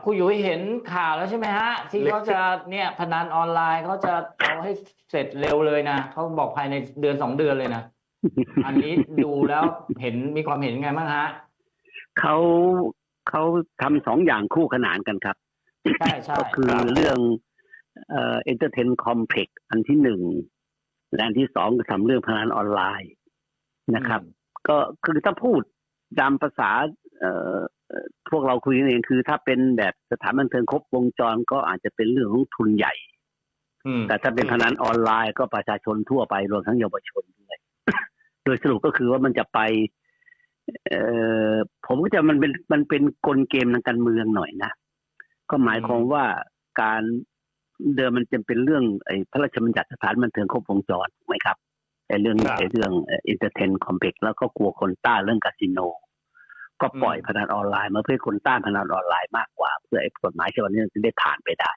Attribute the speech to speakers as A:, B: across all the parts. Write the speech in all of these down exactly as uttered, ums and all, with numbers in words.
A: คุณยุ้ยเห็นข่าวแล้วใช่ไหมฮะที่เขาจะเนี่ยพนันออนไลน์เขาจะเอาให้เสร็จเร็วเลยนะเขาบอกภายในเดือนสองเดือนเลยนะอันนี้ดูแล้วเห็นมีความเห็นไงบ้างฮะ
B: เขาเขาทำสองอย่างคู่ขนานกันครับ
A: ใช่ใช่
B: ก็คือเรื่องเอ่อ entertain complex อันที่หนึ่งและอันที่สองก็ทำเรื่องพนันออนไลน์นะครับ ก็คือถ้าพูดตามภาษาเอ่อพวกเราคุยกันเองคือถ้าเป็นแบบสถานบันเทิงครบวงจรก็อาจจะเป็นเรื่องของทุนใหญ่แต่ถ้าเป็นพนันออนไลน์ก็ประชาชนทั่วไปรวมทั้งเยาวชนด้วย โดยสรุปก็คือว่ามันจะไปเอ่อผมก็จะมันเป็นมันเป็นกลเกมทางการเมืองหน่อยนะก็หมายความว่าการเดิมมันจะเป็นเรื่องไอ้พระราชบัญญัติสถานบันเทิงครบวงจรถูกไหมครับไอ้เรื่องไอ้เรื่องเอ็นเตอร์เทนคอมเพล็กซ์แล้วก็กลัวคนต้านเรื่องคาสิโนก็ปล่อยพนันออนไลน์มาเพื่อคนต้านพนันออนไลน์มากกว่าเพื่อไอ้กฎหมายฉบับนี้จะได้ผ่านไปได้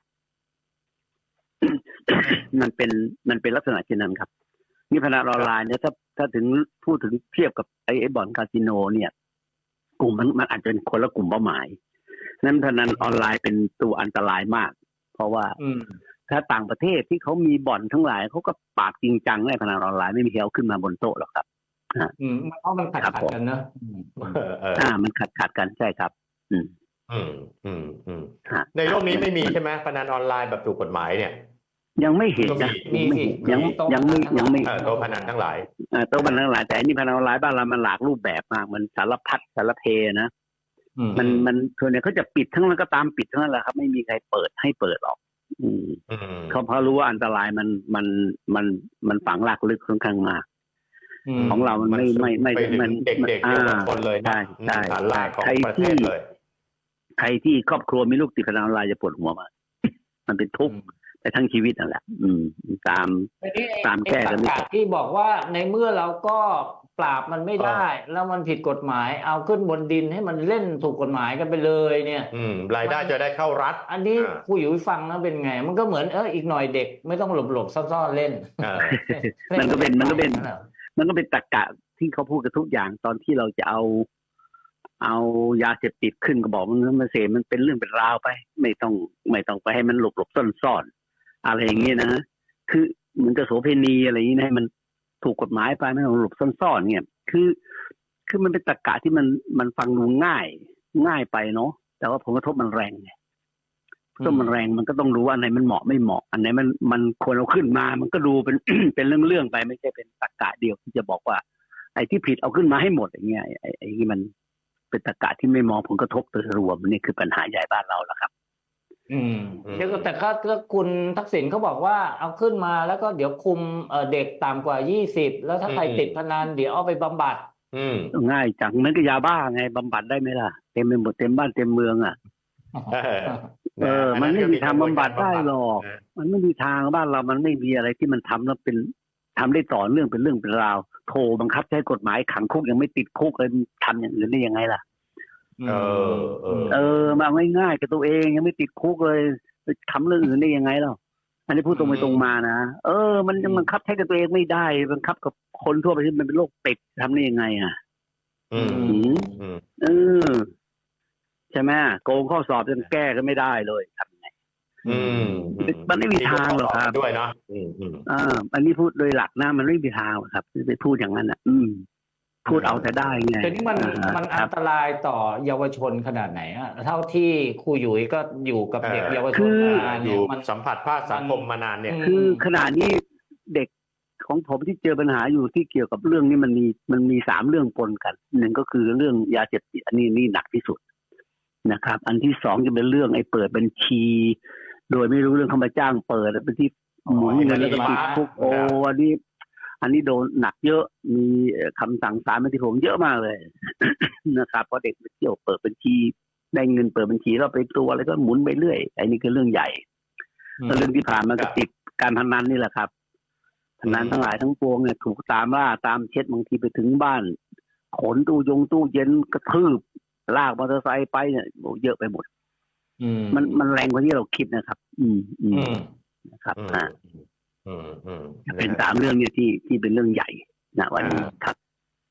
B: มันเป็นมันเป็นลักษณะเช่นนั้นครับนี่พนันออนไลน์เนี่ยถ้าถ้าถึงพูดถึงเทียบกับไอ้ไอ้บ่อนคาสิโนเนี่ยกลุ่มมันมันอาจจะเป็นคนละกลุ่มเป้าหมายนั้นพนันออนไลน์เป็นตัวอันตรายมากเพราะว่าถ้าต่างประเทศที่เขามีบ่อนทั้งหลายเขาก็ปราบจริงจังในพนันออนไลน์ไม่มีใครเอาขึ้นมาบนโต๊ะหรอกครับ
A: อืมเพราะมันขัดขัดกันเนอะ
B: อ่ามันขัดขัดกันใช่ครับ อืม
C: อืมอืมอืมในโลกนี้ไม่มีใช่ไหมพนันออนไลน์แบบถูกกฎหมายเนี่ย
B: ยังไม่เห็นนะ
A: มีสิ
B: ยังยังไม่ยังไม่
C: โต๊ะพนันทั้งหลาย
B: โต๊ะพนันทั้งหลายแต่อันนี้พนันออนไลน์บ้านเรามันหลากรูปแบบมากมันสารพัดสารเพนะมันมันส่วนใหญ่เขาจะปิดทั้งนั้นก็ตามปิดทั้งนั้นแหละครับไม่มีใครเปิดให้เปิดหรอกอืมเขาเพราะรู้ว่าอันตรายมันมันมันมันฝังหลักลึกค่อนข้างมากของเรามันไม่ไม่ไม่
C: มันเด็กๆเยาวชนเลยนะ
B: ใช่
C: ฐานรากของประเทศเลย
B: ใครที่ครอบครัวมีลูกติดพนันออนไลน์จะปวดหัวมากมันเป็นทุกข์ไปทั้งชีวิตนั่นแหละอืมตามตามแก้กันไม่
A: ตกที่บอกว่าในเมื่อเราก็ปราบมันไม่ได้แล้วมันผิดกฎหมายเอาขึ้นบนดินให้มันเล่นถูกกฎหมายกันไปเลยเนี่ย
C: อืมรายได้จะได้เข้ารัฐ
A: อันนี้ผู้อยู่ฟังแล้วเป็นไงมันก็เหมือนเอออีกหน่อยเด็กไม่ต้องหลบหลบซ่อนๆเล่น
B: มันก็เป็นมันก็เป็นมันก็เป็นตรรกะที่เขาพูดกันทุกอย่างตอนที่เราจะเอาเอายาเสพติดขึ้นก็บอกมันมาเสพมันเป็นเรื่องเป็นราวไปไม่ต้องไม่ต้องไปให้มันหลบหลบซ่อนๆอะไรอย่างเงี้ยนะคือเหมือนกับโสเภณีอะไรอย่างนี้ให้มันถูกกฎหมายไปไม่ต้องหลบซ่อนๆเนี่ยคือคือมันเป็นตรรกะที่มันมันฟังดูง่ายง่ายไปเนาะแต่ว่าผลกระทบมันแรงไงก็มันแรงมันก็ต้องรู้ว่าอันไหนมันเหมาะไม่เหมาะอันไหนมันมันควรเอาขึ้นมามันก็ดูเป็น เป็นเรื่องๆไปไม่ใช่เป็นตรรกะเดียวที่จะบอกว่าไอ้ที่ผิดเอาขึ้นมาให้หมดอย่างเงี้ยไอ้ไอ้ที่มันเป็นตรรกะที่ไม่มองผลกระทบโดยรวมนี่คือปัญหาใหญ่บ้านเราแล้วครับ
A: อืมแต่ก็คุณทักษิณเขาบอกว่าเอาขึ้นมาแล้วก็เดี๋ยวคุมเด็กต่ำกว่ายี่สิบแล้วถ้าใครติดพนันเดี๋ยวเอาไปบำบัด
B: ง่ายจังเหมือนกับยาบ้าไงบำบัดได้ไหมล่ะเต็มไปหมดเต็มบ้านเต็มเมืองอ่ะเออมันไม่มีทางบำบัดได้หรอกมันไม่มีทางบ้านเรามันไม่มีอะไรที่มันทำแล้วเป็นทำได้ต่อเนื่องเป็นเรื่องเป็นราวโทรบังคับใช้กฎหมายขังคุกยังไม่ติดคุกเลยทำอย่างอื่นได้ยังไงล่ะ
C: เออเออ
B: เออมาง่ายๆกับตัวเองยังไม่ติดคุกเลยไปทำเรื่องอื่นได้ยังไงล่ะอันนี้พูดตรงไปตรงมานะเออมันยังบังคับใช้กับตัวเองไม่ได้บังคับกับคนทั่วไปที่มันเป็นโรคเป็ดทำได้ยังไงอ่ะ
C: อืม
B: เออใช่ไหมโกงข้อสอบจนแก้ก็ไม่ได้เลยทำไง
C: อืม
B: มันไม่มีทางหรอกครับ
C: ด้วยเนาะอืมอืม
B: อ่าอันนี้พูดโดยหลักนะมันไม่มีทางครับไปพูดอย่างนั้นอ่ะอืมพูดเอาแต่ได้ไง
A: แต่นี่มันมันอันตรายต่อเยาวชนขนาดไหนอ่ะเท่าที่ครูยุ้ยก็อยู่กับเด็กเยาวชนมา
C: เนี่ยมันสัมผัสภาคสังคมมานานเนี่ย
B: คือขณะนี้เด็กของผมที่เจอปัญหาอยู่ที่เกี่ยวกับเรื่องนี้มันมีมันมีสามเรื่องปนกันหนึ่งก็คือเรื่องยาเสพติดอันนี้นี่หนักที่สุดนะครับอันที่สองจะเป็นเรื่องไอ้เปิดบัญชี โดยไม่รู้เรื่องเขามาจ้างเปิดเป็นที่หมุนเงินแล้วก็ติดคุกโอ้อันนี้อันนี้โดนหนักเยอะมีคำสั่งศาลมาที่ผมเยอะมากเลยนะครับเพราะเด็กไปเที่ยวเปิดบัญชีได้เงินเปิดบัญชีแล้วไปตัวอะไรก็หมุนไปเรื่อยไอ้นี่คือเรื่องใหญ่แล้วเรื่องที่ผ่านมาก็ติดการพนันนี่แหละครับพนันทั้งหลายทั้งปวงเนี่ยถูกตามล่าตามเช็ดบางทีไปถึงบ้านขนตู้ยงตู้เย็นกระทืบลากมอเตอร์ไซค์ไปเนี่ยเยอะไปหมดมันมันแรงกว่าที่เราคิดนะครับ อืมอืมนะครับอ่าเป็นสามเรื่องเนี่ยที่ที่เป็นเรื่องใหญ่นะวันนี้ครับ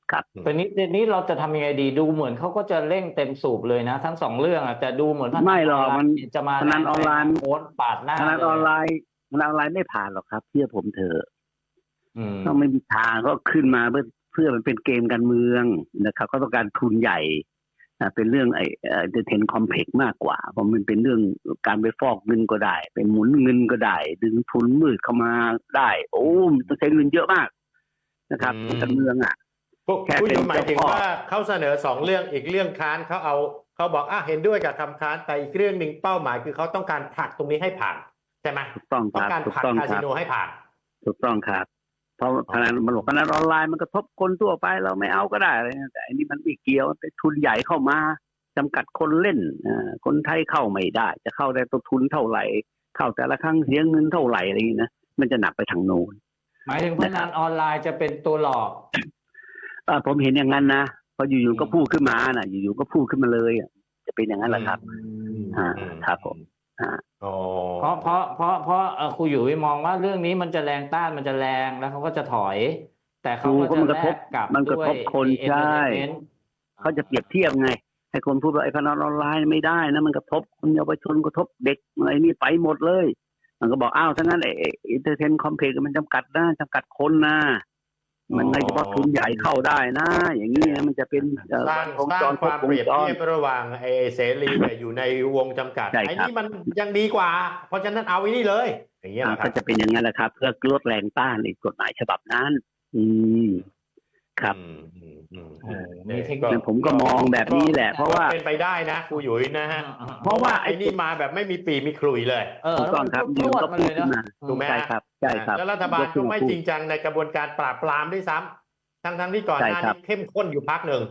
B: ครับ
A: ตอนนี้ตอนนี้เราจะทำยังไงดีดูเหมือนเขาก็จะเร่งเต็มสูบเลยนะ ทั้งสองเรื่องอ่ะแต่ดูเหมือนพนัน
B: ไม่หรอก
A: ออนไล
B: มัน
A: น์จะมา
B: พนันออนไลน์
A: โค้ดปาดหน้า
B: พนัน
A: เลย
B: ออนไลน์พนันออนไลน์ไม่ผ่านหรอกครับเชื่อผมเถอะ
A: อืม
B: ต้องไม่มีทางก็ขึ้นมาเพื่อเพื่อมันเป็นเกมการเมืองนะครับก็ต้องการทุนใหญ่อ่าเป็นเรื่องไอ้เอ่อเทนคอมเพล็กซ์มากกว่าเพราะมันเป็นเรื่องการไปฟอกเงินก็ได้ไปหมุนเงินก็ได้ดึงทุนมืดเข้ามาได้โอ้มันต้องใช้เงินเยอะมากนะครับ
C: อืม
B: การเมืองอ่ะ
C: ผู้
B: แค่
C: ผู้
B: เป็น
C: อยู่หมายถึง
B: เจ้าพ่อ
C: ว่าเขาเสนอสองเรื่องอีกเรื่องค้านเขาเอาเขาบอกอ่ะเห็นด้วยกับคำค้านแต่อีกเรื่องหนึ่งเป้าหมายคือเขาต้องการผลักตรงนี้ให้ผ่านใช่ไหม
B: ถูกต้องค
C: ต้อ
B: รั
C: ง
B: บ
C: การ
B: ถูก
C: ผลัก
B: ต้อง
C: คา
B: ค
C: สิ
B: รับ
C: โนให้ผ่าน
B: ถูกต้องครับเพราะพนันมันบอกพนันออนไลน์มันกระทบคนทั่วไปเราไม่เอาก็ได้อะไรนะแต่อันนี้มันไม่เกี่ยวเป็นทุนใหญ่เข้ามาจำกัดคนเล่นอ่าคนไทยเข้าไม่ได้ จะเข้าได้ต้นทุนเท่าไหร่เข้าแต่ละครั้งเสียเงินเท่าไหร่อะไรอย่างนี้นะมันจะหนักไปทางโน้น
A: หมายถึงพนันออนไลน์จะเป็นตัวหลอก
B: อ่าผมเห็นอย่างนั้นนะพออยู่
A: อื
B: ๆ
A: ม
B: ก็พูดขึ้นมาน่ะ อยู่ๆก็พูดขึ้นมาเลยอ่ะจะเป็นอย่างนั้นแหละครับ อ่า
C: อืม
B: ครับผม อ่า
C: อ๋อ
A: เพราะเพราะเพราะเพราะเอ่อครูอยู่มองว่าเรื่องนี้มันจะแรงต้านมันจะแรงแล้วเขาก็จะถอย แต่เขาก็
B: ครู
A: จะ
B: มันกระ
A: แล
B: ทบ
A: กกลับ
B: มันกระ
A: ด้วย
B: ทบคน
A: เอน
B: ใช่
A: เตอร์เทนเมนต์
B: เขาจะเปรียบเทียบไง ให้คนพูดว่าไอ้พนันออนไลน์ไม่ได้นะมันกระทบคนเยาวชนกระทบเด็กอะไรนี่ไปหมดเลย มันก็บอกอ้าวถ้างั้นไอ้อินเตอร์เทนคอมเพล็กซ์มันจำกัดนะจำกัดคนนะมันไม่เฉพาะทุนใหญ่เข้าได้นะ อย่างนี้นะมันจะเป็นเอ่อ
C: สร้าง
B: วง
C: สร้า
B: จ
C: ง
B: ร
C: ความ
B: ว
C: เป
B: ง
C: รียบ
B: จร
C: เทียบระหว่างไอ้เสรีกับอยู่ในวงจำกัด
B: ใช่ครับ
C: ไอ้นี่มันยังดีกว่า เพราะฉะนั้นเอาไอ้นี่เลย อย่างเงี้ย
B: อ่า
C: นะค
B: ก็
C: รับ
B: จะเป็นอย่างนั้นแหละครับ เพื่อลดแรงต้านในกฎหมายฉบับนั้น อืม ครับ
C: อืมอืมอืม
A: โอ้มีเทคนิ
C: ก็
A: ค
B: ผมก็มองแบบนี้แหละ เพราะว่า
C: เป็นไปได้นะครูหยุยนะฮะ
B: เพราะว่าไอ้
C: ไอ้นี่มาแบบไม่มีปีมีขลุ่ยเลย
A: เออ
B: ถูก
A: แล้ว
B: ต้อง
A: มัน
B: ครับ
A: พ
B: ยื
A: ร
B: น
A: วด
B: ก็
A: มา
B: พู
A: เล
B: ด
A: ย
B: ขึ้
A: เน
B: น
A: อะ
B: มา
C: ถูกไหม
B: ใช่ครับใช่ครับ
C: แล้วรัฐบาล
B: ยขึ้
C: ก็
B: น
C: ไม่
B: พูด
C: จริงจังในกระบวนการปราบปรามด้วยซ้ำทั้งทั้งๆที่ก่อนหน้า
B: ใช่ครั
C: นี้
B: บ
C: เข้มข้นอยู่พักหนึ่ง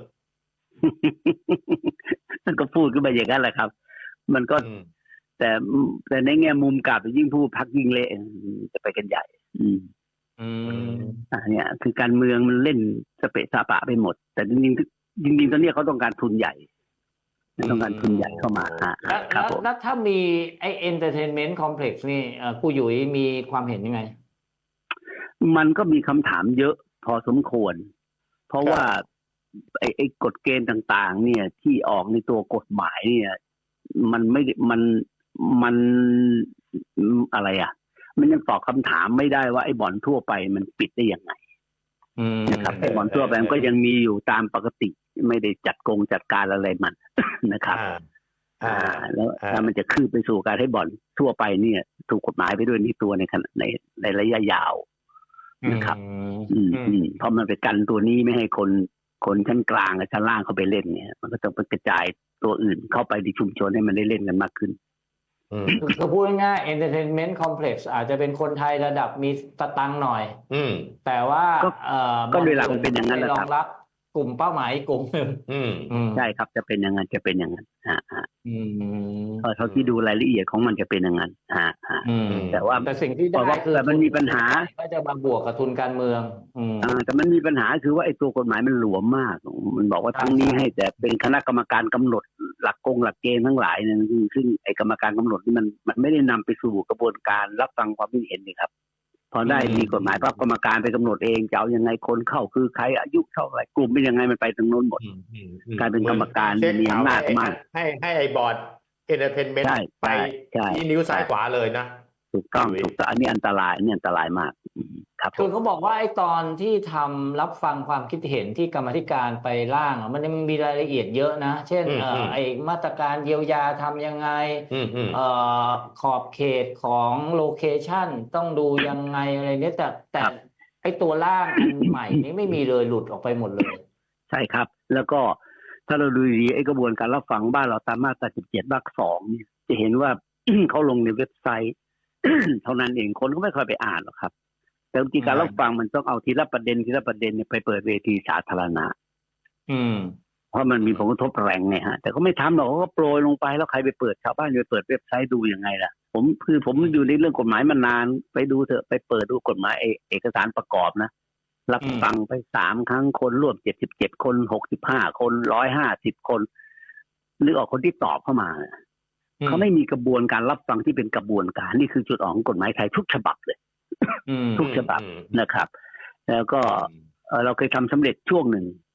B: มันก็พูดขึ้นมาอย่างนั้นแหละครับ มันก็
C: อืม
B: แต่แต่ในแง่มุมกลับยิ่งพูดพักยิ่งเละจะไปกันใหญ่ อืม
A: อืม
B: อ่าเนี่ย คือการเมืองมันเล่นสเปะสปะไปหมด แต่จริงๆจริงๆตอนนี้เขาต้องการทุนใหญ่ต้องการทุนใหญ่เข้ามาอ่า
A: แล้ว
B: ครั
A: แล้
B: บ
A: ว
B: ผม
A: แล้วถ้ามีไอเอนเตอร์เทนเมนต์คอมเพล็กซ์นี่เอ่อครูหยุยมีความเห็นยังไง
B: มันก็มีคำถามเยอะพอสมควร เพราะ
C: ครับ
B: ว่าไอ้ไอ้กฎเกณฑ์ต่างๆ เนี่ย ที่ออกในตัวกฎหมายเนี่ย มันไม่ได้มันมันอะไรอ่ะ มันยังตอบคำถามไม่ได้ว่าไอ้บ่อนทั่วไปมันปิดได้ยังไง
A: อืม
B: นะครับไอ้บ่อนทั่วไปมันก็ยังมีอยู่ตามปกติ ไม่ได้จัดกงจัดการอะไรมัน นะครับ
C: อ่า
B: อ่า
C: อ่า
B: แล้ว
C: อ่า
B: ถ้ามันจะคืบไปสู่การให้บ่อนทั่วไปเนี่ย ถูกกฎหมายไปด้วยในตัวในขณะในในระยะยาว นะครับ อืมอืมเพราะมันไปกันตัวนี้ไม่ให้คนคนชั้นกลางกับชั้นล่างเข้าไปเล่นเนี่ย มันก็ต้องไปกระจายตัวอื่นเข้าไปในชุมชนให้มันได้เล่นกันมากขึ้น
C: อืม
A: คือคือพูดง่ายๆ entertainment complex อาจจะเป็นคนไทยระดับมีสตังค์หน่อย
C: อืม
A: แต่ว่า
B: ก็
A: เอ่อ
B: ก็โดยหลักมันเป็นอย่างนั้นแหละ
A: ร
B: ค
A: อ
B: รับ
A: งรับกลุ่มเป้าหมายอีกกลุ่มหนึ่ง
C: อืม
A: อืม
B: ใช่ครับจะเป็นอย่างนั้นจะเป็นอย่างนั้นอ่าอ่า
A: อืม
B: เออเท่าที่ดูรายละเอียดของมันจะเป็นอย่างนั้นอ่าอ่า
A: อืม
B: แต่ว่า
A: แต่สิ่งที่
B: แต่
A: ได้
B: ว่า
A: คือ
B: แต่มันมีปัญหา
A: ก็จะมาบวกกับทุนการเมือง อืม
B: อ่าแต่มันมีปัญหาคือว่าไอ้ตัวกฎหมายมันหลวมมาก มันบอกว่า
A: ครับ
B: ทั้งนี้ให้แต่เป็นคณะกรรมการกำหนดหลักกงหลักเกณฑ์ทั้งหลายเนี่ยซึ่งซึ่งไอ้กรรมการกำหนดนี่มันมันไม่ได้นำไปสู่กระบวนการรับฟังความคิดเห็นนี่ครับ พอได้มีกฎหมายปั๊บกรรมการไปกำหนดเองจะเอายังไงคนเข้าคือใครอายุเท่าไหร่กลุ่มเป็นยังไงมันไปตรงโน้นหมด
C: อืมอืมอืม
B: กลายเป็นกรรมการ
C: เช็ค
B: มีอำนาจ
C: ให้
B: มาก
C: ให้ให้ไอ้บอร์ดเอนเตอร์เทนเมนต์
B: ใช่
C: ไป
B: ใช่ใช่
C: ที่นิ้วซ้ายขวาเลยนะ
B: ถูกต้องถูกต้องอันนี้อันตรายอันนี้อันตรายมากอืมครับผ
A: คือ
B: ม
A: เขาบอกว่าไอ้ตอนที่ทำรับฟังความคิดเห็นที่กรรมาธิการไปร่างอะมันยังมีรายละเอียดเยอะนะ เช่น
C: อืม
A: เอ่อ
C: อืม
A: ไอ้มาตรการเยียวยาทำยังไง
C: อืมอืม
A: เอ่อขอบเขตของโลเคชันต้องดูยังไงอะไรเนี่ยแต่แต่ไอ้ตัวร่างอันใหม่นี้ไม่มีเลยหลุดออกไปหมดเลย
B: ใช่ครับ แล้วก็ถ้าเราดูดีๆไอ้กระบวนการรับฟังบ้านเราตามมาตราสิบเจ็ดวรรคสองเนี่ยจะเห็นว่า เขาลงในเว็บไซต์ เท่านั้นเองคนก็ไม่ค่อยไปอ่านหรอกครับ แต่วิธีการรับฟังมันต้องเอาทีละประเด็นทีละประเด็นเนี่ยไปเปิดเวทีสาธารณะ
A: อืม
B: เพราะมันมีผลกระทบแรงไงฮะแต่ก็ไม่ทำหรอกเขาก็โปรยลงไปแล้วใครไปเปิดชาวบ้านไปเปิดเว็บไซต์ดูยังไงล่ะ ผมคือผมอยู่ในเรื่องกฎหมายมานานไปดูเถอะไปเปิดดูกฎหมายเอเอกสารประกอบนะรับฟังไปสามครั้งคนร่วมเจ็ดสิบเจ็ดคนหกสิบห้าคนร้อยห้าสิบคนนึกออกคนที่ตอบเข้ามาเนี่ย
A: อืม
B: เขาไม่มีกระบวนการรับฟังที่เป็นกระบวนการนี่คือจุดอ่อนของกฎหมายไทยทุกฉบับเลย
A: อืม
B: ทุกฉบับนะครับ แล้วก็เอ่อเราเคยทำสำเร็จช่วงหนึ่ง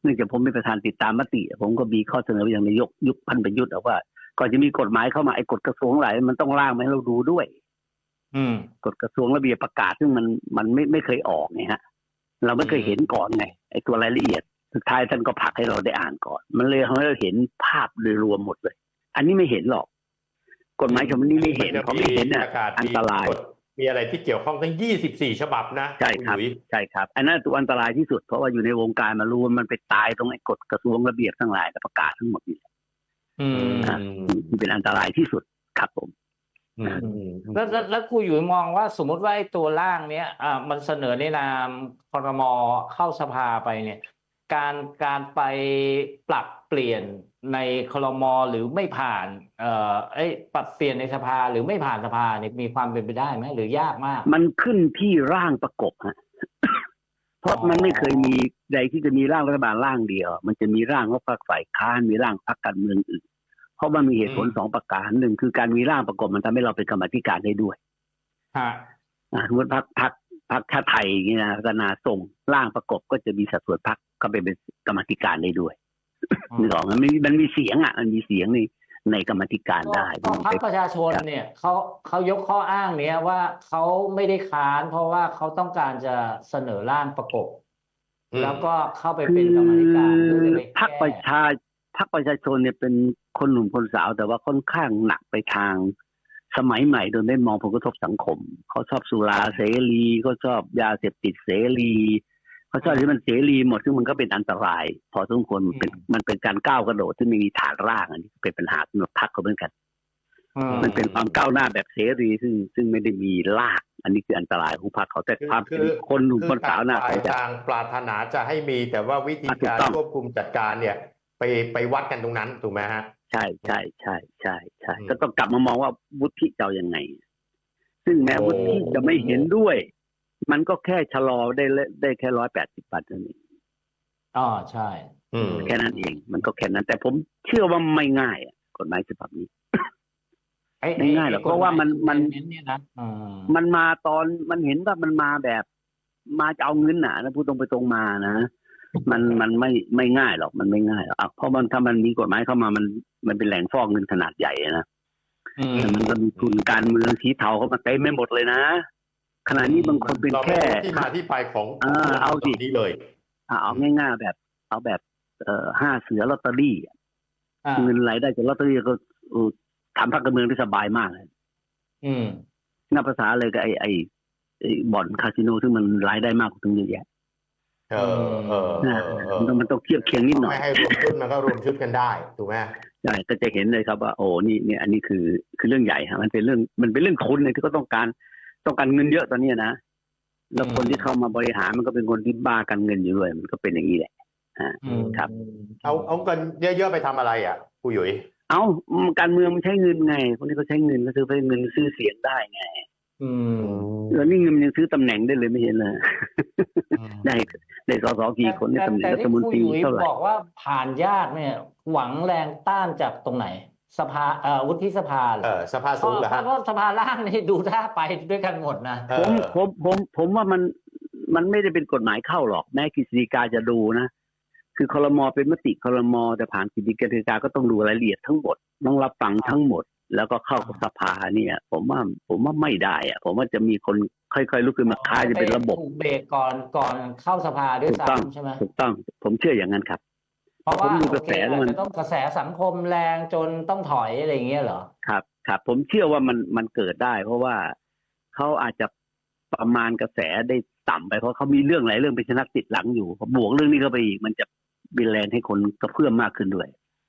B: เนื่องจากผมเป็นประธานติดตามมติผมก็มีข้อเสนอไปยังนายกยุคพันประยุทธ์ว่าก่อนจะมีกฎหมายเข้ามาไอ้กฎกระทรวงหลายมันต้องร่างมาให้เราดูด้วย
A: อืม
B: กฎกระทรวงระเบียบประกาศซึ่งมันมันไม่ไม่เคยออกไงฮะเราไม่เคยเห็นก่อนไงไอ้ตัวรายละเอียดสุดท้ายท่านก็ผลักให้เราได้อ่านก่อนมันเลยทำให้เราเห็นภาพโดยรวมหมดเลย อันนี้ไม่เห็นหรอกกฎหมายฉบับนี้ไม่เห็นเขาไม่เห็นน่ะอันตราย
C: มีอะไรที่เกี่ยวข้องทั้งยี่สิบสี่ฉบับนะ
B: ใช่ครับใช่ครับอันนั้นตัวอันตรายที่สุดเพราะว่าอยู่ในวงการมารู้ว่ามันไปตายตรงไอ้กฎกระทรวงระเบียบทั้งหลายและประกาศทั้งหมดนี่อืมที่เป็นอันตรายที่สุดครับผม
A: แล้วแล้วแล้วครูอยู่มองว่าสมมติว่าไอ้ตัวร่างเนี้ยอ่ามันเสนอในนามครม.เข้าสภาไปเนี่ยการการไปปรับเปลี่ยนในครม.หรือไม่ผ่านเอ่อไอ้ปรับเปลี่ยนในสภาหรือไม่ผ่านสภาเนี่ยมีความเป็นไปได้ไหมหรือยากมาก
B: มันขึ้นที่ร่างประกบฮะ เพราะมันไม่เคยมีใดที่จะมีร่างรัฐบาลร่างเดียวมันจะมีร่างของพรรคฝ่ายค้านมีร่างพรรคการเมืองอื่นเพราะมันมีเหตุผลสองประการหนึ่งคือการมีร่างประกบมันทำให้เราเป็นกรรมาธิการได้ด้วย
A: ฮะ
B: สมมติพรรคพรรคพรรคชาติไทยนี่นะกนาส่งร่างประกบก็จะมีสัดส่วนพรรคก็เป็นกรรมาธิการได้ด้วยนึกออกมันมีมันมีเสียงอ่ะมันมีเสียงในในกรรมาธิการได้
A: พรรคประชาชนเนี่ยเขาเขายกข้ออ้างเนี้ยว่าเขาไม่ได้ค้านเพราะว่าเขาต้องการจะเสนอร่างประกบแล้วก็เข้าไปเป็นกรรมาธิการเพื่อจะไปแก้
B: พรรคประชาพรรคประชาชนเนี่ยเป็นคนหนุ่มคนสาวแต่ว่าค่อนข้างหนักไปทางสมัยใหม่โดยไม่มองผลกระทบสังคมเขาชอบสุราเสรีเขาชอบยาเสพติดเสรีเขาชอบที่มันเสรีหมดซึ่งมันก็เป็นอันตรายพอสมควรมันเป็นมันเป็นการก้าวกระโดดที่ไม่มีฐานรากอันนี้เป็นปัญหาสำหรับพรรคเขาเหมือนกันมันเป็นความก้าวหน้าแบบเสรีซึ่งซึ่งไม่ได้มีรากอันนี้คืออันตรายของพรรคเขาแต่ความเป็นคนหนุ่มคนสาวน่ะ
C: เขาจะปรารถนาจะให้มีแต่ว่าวิธีการควบคุมจัดการเนี่ยไปไปวัดกันตรงนั้นถูกไหมฮะ
B: ใช่ใช่ใช่ใช่ใช่ก็ต้องกลับมามองว่าวุฒิจะยังไงซึ่งแม้วุฒิจะไม่เห็นด้วยมันก็แค่ชะลอได้ได้แค่ร้อยแปดสิบบาทเท่านั้น
A: อ๋อใช่
B: แค่นั้นเองมันก็แค่นั้นแต่ผมเชื่อว่าไม่ง่ายกฎหมายฉบับนี้ไม่ง่ายหรอกเพราะว่ามันมันมันมาตอนมันเห็นว่ามันมาแบบมาจะเอาเงินหนานะพูดตรงไปตรงมานะมันมันไม่ไม่ง่ายหรอกมันไม่ง่ายหรอกเพราะมันถ้ามันมีกฎหมายเข้ามามันมันเป็นแหล่งฟอกเงินขนาดใหญ่นะมันก็มีทุนการเมืองสีเทาเข้ามาเต็มไม่หมดเลยนะขณะนี้บางคนเป็นแค่
C: ที่มาที่ไปของ
B: เอาสิ
C: นี้เลย
B: เอาง่ายๆแบบเอาแบบเอ่อห้าเสือลอตเตอรี่เงินรายได้จากลอตเตอรี่ก็ทำพรรคการเมืองได้สบายมากเลย
A: อืม
B: นับภาษาเลยกับไอ้ไอ้บ่อนคาสิโนซึ่งมันรายได้มากกว่าตรงนี้แยะ
C: เออเออ
B: มันต้องเทียบเคียงนิดหน่อย
C: ไม่ให้รวมชุดมันก็รวมชุดกันได้ถูกไหม
B: ใช่ก็จะเห็นเลยครับว่าโอ้นี่เนี่ยอันนี้คือคือเรื่องใหญ่ฮะมันเป็นเรื่องมันเป็นเรื่องทุนเลยที่ก็ต้องการต้องการเงินเยอะตอนนี้นะแล้วคนที่เข้ามาบริหารมันก็เป็นคนที่บ้ากันเงินอยู่ด้วยมันก็เป็นอย่างนี้แหละฮะครับ
C: เอาเอาเงินเยอะๆไปทำอะไรอ่ะครูหยุย
B: เอาการเมืองมันใช้เงินไงคนนี้เขาใช้เงินก็ซื้อไปเงินซื้อเสียงได้ไง
A: อืม
B: แล้วนี่เงินยังซื้อตำแหน่งได้เลยไม่เห็นเลยได้ได้สสกี่คนได้ตำแหน่งรัฐมนตรีเท่าไหร่
A: บอกว่าผ่านยากเนี่ยหวังแรงต้านจากตรงไหนสภาเอ่อวุฒิสภา
C: เออสภาสูงเหรอฮะ
A: เพราะสภาล่างนี่ดูท่าไปด้วยกันหมดนะ
B: ผมผมผมผมว่ามันมันไม่ได้เป็นกฎหมายเข้าหรอกแม้กฤษฎีกาจะดูนะคือครม.เป็นมติครม.แต่ผ่านกฤษฎีกาก็ต้องดูรายละเอียดทั้งหมดต้องรับฟังทั้งหมดแล้วก็เข้ากับสภาเนี่ยผมว่าผมว่าไม่ได้อะผมว่าจะมีคนค่อยๆลุกขึ้นมาค้าจะเป็นระบบ
A: ถูกเบรกก่อนก่อนเข้าสภาด้วยซ้ำใช่ไหม
B: ถูกต้องผมเชื่ออย่างนั้นครับ
A: เพราะว่าผมดูกระแสแล้วมันต้องกระแสสังคมแรงจนต้องถอยอะไรอย่างเงี้ยเหรอ
B: ครับครับผมเชื่อว่ามันมันเกิดได้เพราะว่าเขาอาจจะประมาณกระแสได้ต่ำไปเพราะเขามีเรื่องหลายเรื่องเป็นชนักติดหลังอยู่บวกเรื่องนี้เข้าไปอีกมันจะบินแรงให้คนกระเพื่อมมากขึ้นด้วย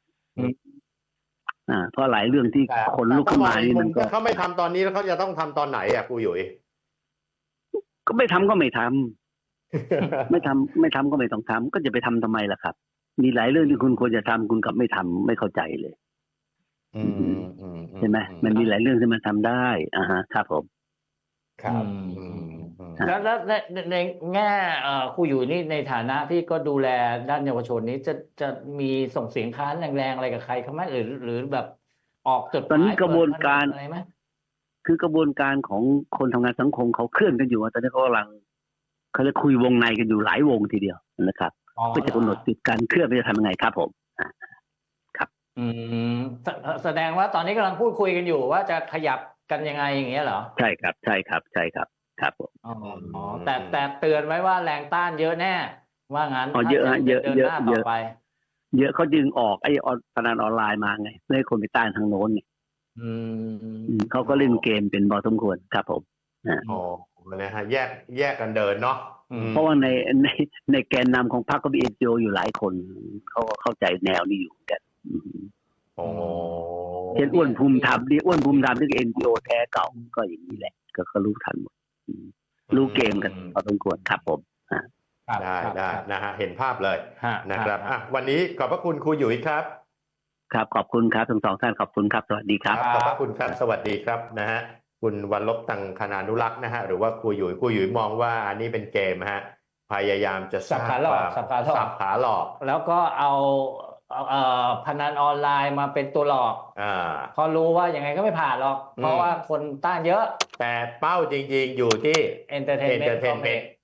B: อ่าเพราะหลายเรื่องที่คนลุกขึ้นมานี่มันก็
C: เขาไม่ทำตอนนี้แล้วเขาจะต้องทำตอนไหนอ่ะครูหยุย
B: ก็ไม่ทำก็ไม่ทำ ไม่ทำไม่ทำก็ไม่ต้องทำก็จะไปทำทำไมล่ะครับมีหลายเรื่องที่คุณควรจะทำคุณกลับไม่ทำไม่เข้าใจเลยใช่ไหมมันมีหลายเรื่องที่มันทำได้อ่าฮะครับผม
C: ครับ
A: แล้วแล้วในในแง่ครูอยู่นี่ในฐานะที่ก็ดูแลด้านเยาวชนนี้จะจะมีส่งเสียงค้านแรงๆอะไรกับใครเขาไหมหรือหรือแบบออกจดหมาย
B: ตอนนี้กระบวนการอะไรไหมคือกระบวนการของคนทำงานสังคมเขาเคลื่อนกันอยู่ตอนนี้เขากำลังเขาจะคุยวงในกันอยู่หลายวงทีเดียวนะครับ
A: อ๋อ
B: เพื่อจะกำหนดสิทธิการเคลื่อนไปจะทำยังไงครับผม
A: อืมแสแสดงว่าตอนนี้กำลังพูดคุยกันอยู่ว่าจะขยับกันยังไงอย่างเงี้ยเหรอ
B: ใช่ครับใช่ครับใช่ครับครับผม
A: อ๋ออ๋อแต่แต่เตือนไว้ว่าแรงต้านเยอะแน่ ว่างั้น
B: อ๋อเยอะ
A: ถ้า
B: ฮะเยอะ
A: เดิน
B: เย
A: ห
B: อะ
A: น้า
B: เย
A: ต่อ
B: อะ
A: ไป
B: เยอะเขาดึงออกไอ้ออนพนันออนไลน์มาไงเพื่อให้คนไปต้านทางโน้นไง
A: อืม
B: อืมเขาก็เล่นเกมเป็นพอสมควรครับผม
C: อ๋อนะฮะแยกแยกกันเดินเนาะอืม
B: เพราะว่าในในในแกนนำของพรรคก็มีเอ็นจีโออยู่หลายคนเขาก็เข้าใจแนวนี้อยู่เหมือนกันอืม
C: โอ้
B: เช่นอ้วนภูมิธรรมนี่อ้วนภูมิธรรมที่เอ็นจีโอแท้เก่าก็อย่างนี้แหละ ก็ก็รู้ทันหมดอืมรู้เกมกันพอสมควรครับผม
A: ครับ
C: ได้
A: ครับ
C: ได้
A: ครับ
C: นะฮะเห็นภาพเลย
A: ฮะ
C: นะครับ
A: ฮะ
C: อ่ะวันนี้ขอบพระคุณครูหยุยครับ
B: ครับขอบคุณครับทั้งสองท่านขอบคุณครับสวัสดีครับ
C: ขอบพระคุณครับสวัสดีครับนะฮะคุณวันลบตังคณานุรักษ์นะฮะหรือว่าครูหยุยครูหยุยมองว่าอันนี้เป็นเกมฮะพยายามจะ
A: สับขาหลอก
C: สร้ง
A: สับขาหลอก
C: สับขาหลอก
A: แล้วก็เอาเอาเอ่อพนันออนไลน์มาเป็นตัวหลอก
C: อ่า
A: เพอรู้ว่ายังไงก็ไม่ผ่านหรอก
C: อืม
A: เพราะว่าคนต้านเยอะ
C: แต่เป้าจริงๆอยู่ที่
A: Entertainment
C: Entertainment